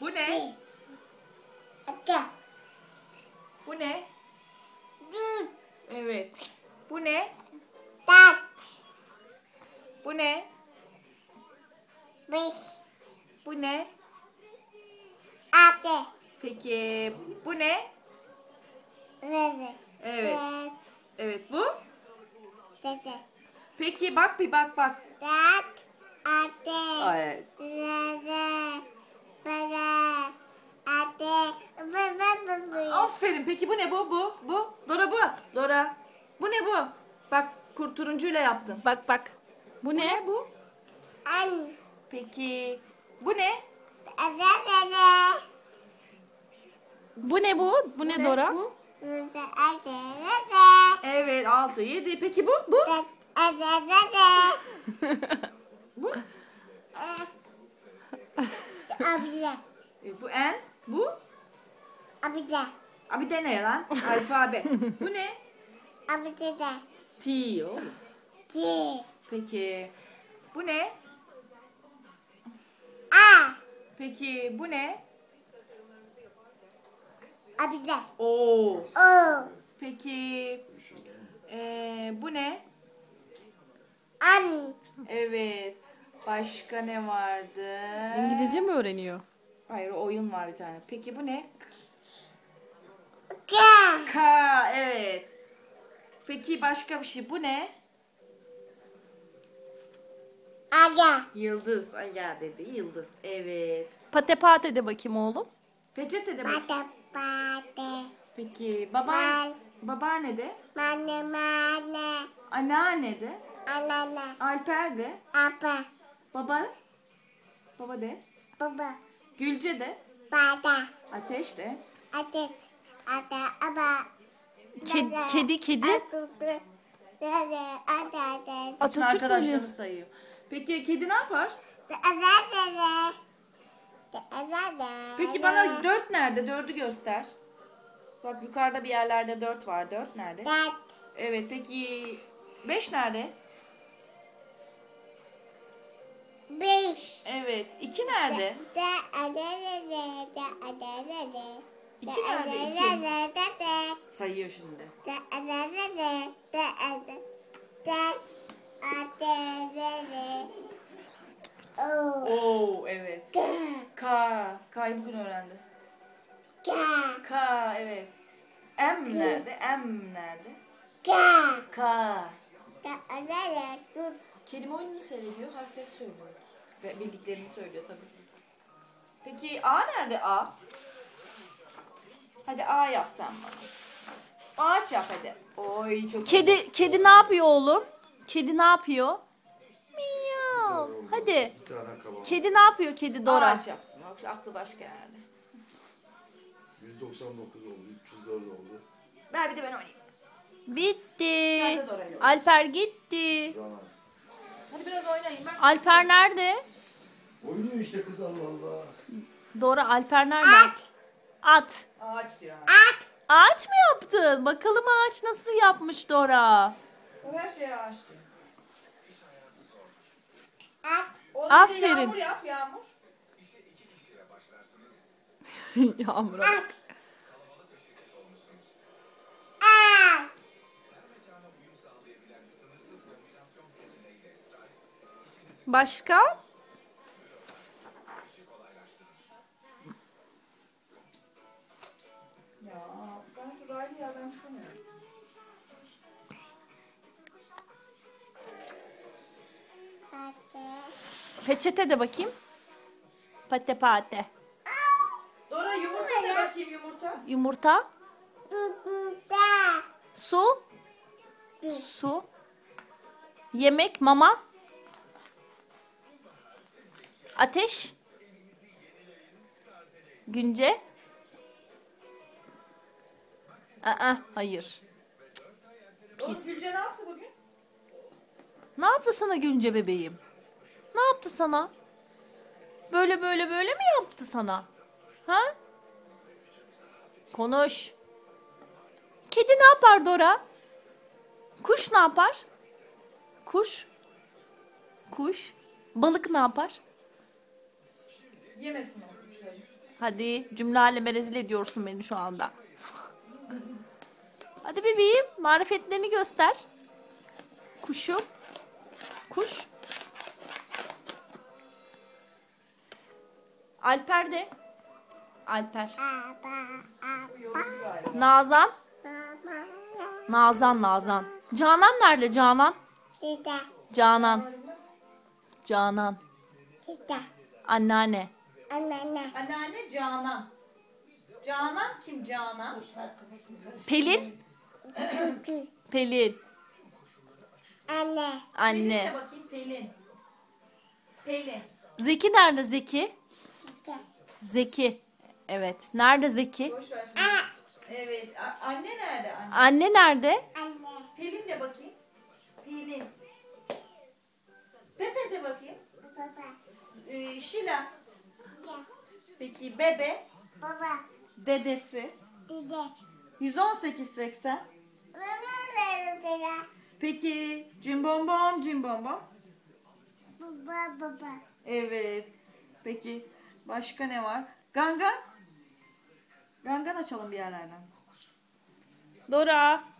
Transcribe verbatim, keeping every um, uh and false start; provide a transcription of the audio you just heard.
Bu ne? Aka. Bu ne? Dut. Evet. Bu ne? Tat. Bu ne? Beş. Bu ne? Ate. Peki bu ne? Reze. Evet. Tat. Evet bu. Tete. Peki bak bir bak bak. Tat. Ate. Ay. Reze. Bana. Ate. Bı bı bı bı. Aferin. Peki bu ne bu? Bu. Bu. Dora bu. Dora. Bu ne bu? Bak kur turuncuyla yaptım. Bak bak. Bu ne bu? An. Peki bu ne? Reze. Bu ne bu? Bu ne Dora? Bu. Reze. Ate. Reze. Evet altı yedi. Peki bu? Bu. Tat. Ate. Reze. Bu. Abla. E, bu en. Bu. Abla. Abi de ne lan? Alfabe. Bu ne? Abla da. T o. Ki. Peki bu ne? A. Peki bu ne? Abla. O. O. Peki ee, bu ne? An. Evet. Başka ne vardı? İngilizce mi öğreniyor? Hayır oyun var bir tane. Peki bu ne? Ka. K. Evet. Peki başka bir şey. Bu ne? Aga. Yıldız. Ay ya dedi. Yıldız. Evet. Pate pate de bakayım oğlum. Peçete de bak. Pata pate. Peki baba Ben. babaanne de. Mane mane. Anneanne de. Anana. Alper de. Apa. Baba. Baba de. Baba. Gülce de. Bada. Ateş de. Ateş. Ata. Aba. Kedi kedi. kedi. Atutu. Dede. Ata. Dede. Bütün Atatürk mü arkadaşlarını oluyor? sayıyor. Peki kedi ne yapar? Azadede. Azadede. Peki bana dört nerede? Dördü göster. Bak yukarıda bir yerlerde dört var. Dört nerede? Dat. Evet peki beş nerede? Beş. Evet. iki nerede? Da adadede. Da adadede. İki nerede? İki. Adadede. Sayıyor şimdi. Da adadede. Da adadede. Da adadede. O. Oo evet. Ka. K. K'yı bugün öğrendi. Ka. K evet. M nerede? M nerede? Ka. K. Da adadede. Tut. Kelime oyununu seyrediyor, harfleri söylüyor. Ve bildiklerini söylüyor tabii. Peki A nerede A? Hadi A yap sen bana. Ağaç yap hadi. Oy çok Kedi kedi ne yapıyor oğlum? Kedi ne yapıyor? Miyav. Hadi. Bir tane kabak. Kedi ne yapıyor kedi Dora? Ağaç yapsın. Bak aklı başka yerde. yüz doksan dokuz oldu. üç yüz dört oldu. Ver bir de ben oynayayım. Bitti. Sen de Dora'yla oyna. Alper gitti. Canan. Hadi biraz oynayayım. Ben Alper nerede? Oynuyor işte kız Allah Allah. Dora Alper nerede? At. At. Ağaç diyor. At. Ağaç mı yaptın? Bakalım ağaç nasıl yapmış Dora? O her şeye ağaç diyor. At. Oğlum bir de Aferin. yağmur yap yağmur. Yağmur. At. At. Başka? Ya ben şu raylı yerden çıkamıyorum. Peçete de bakayım. Pate pate. Dora yumurta de bakayım yumurta. Yumurta. Tutuda. Su. Su. Yemek, mama. Ateş. Günce. Aa, hayır. Oğlum Pis. Gülce ne yaptı bugün? Ne yaptı sana Günce bebeğim? Ne yaptı sana? Böyle böyle böyle mi yaptı sana? Ha? Konuş. Kedi ne yapar Dora? Kuş ne yapar? Kuş. Kuş. Balık ne yapar? Yemesin o kuşları. Hadi cümle aleme rezil ediyorsun beni şu anda. Hadi bebeğim marifetlerini göster. Kuşum. Kuş. Alper de. Alper. Nazan. Nazan Nazan. Canan nerede Canan? Dede. Canan. Canan. Dede. Anneanne. Anneanne. Anneanne Canan. Canan kim Canan? Pelin. Kutu. Pelin. Anne. Anne. Pelin de bakayım Pelin. Pelin. Zeki nerede Zeki? Dede. Zeki. Evet. Nerede Zeki? Boş ver şimdi. Evet. a- Anne nerede anne? Anne nerede? Anne. Pelin de bakayım. Pelin. Pepe de bakayım. Baba. Ee, Şila. Gel. Peki bebe. Baba. Dedesi. Dede. yüz on sekiz seksen. Dede. Peki cimbombom cimbombom. Baba baba. Evet. Peki başka ne var? Gangan. Gangan açalım bir yerlerden. Dora.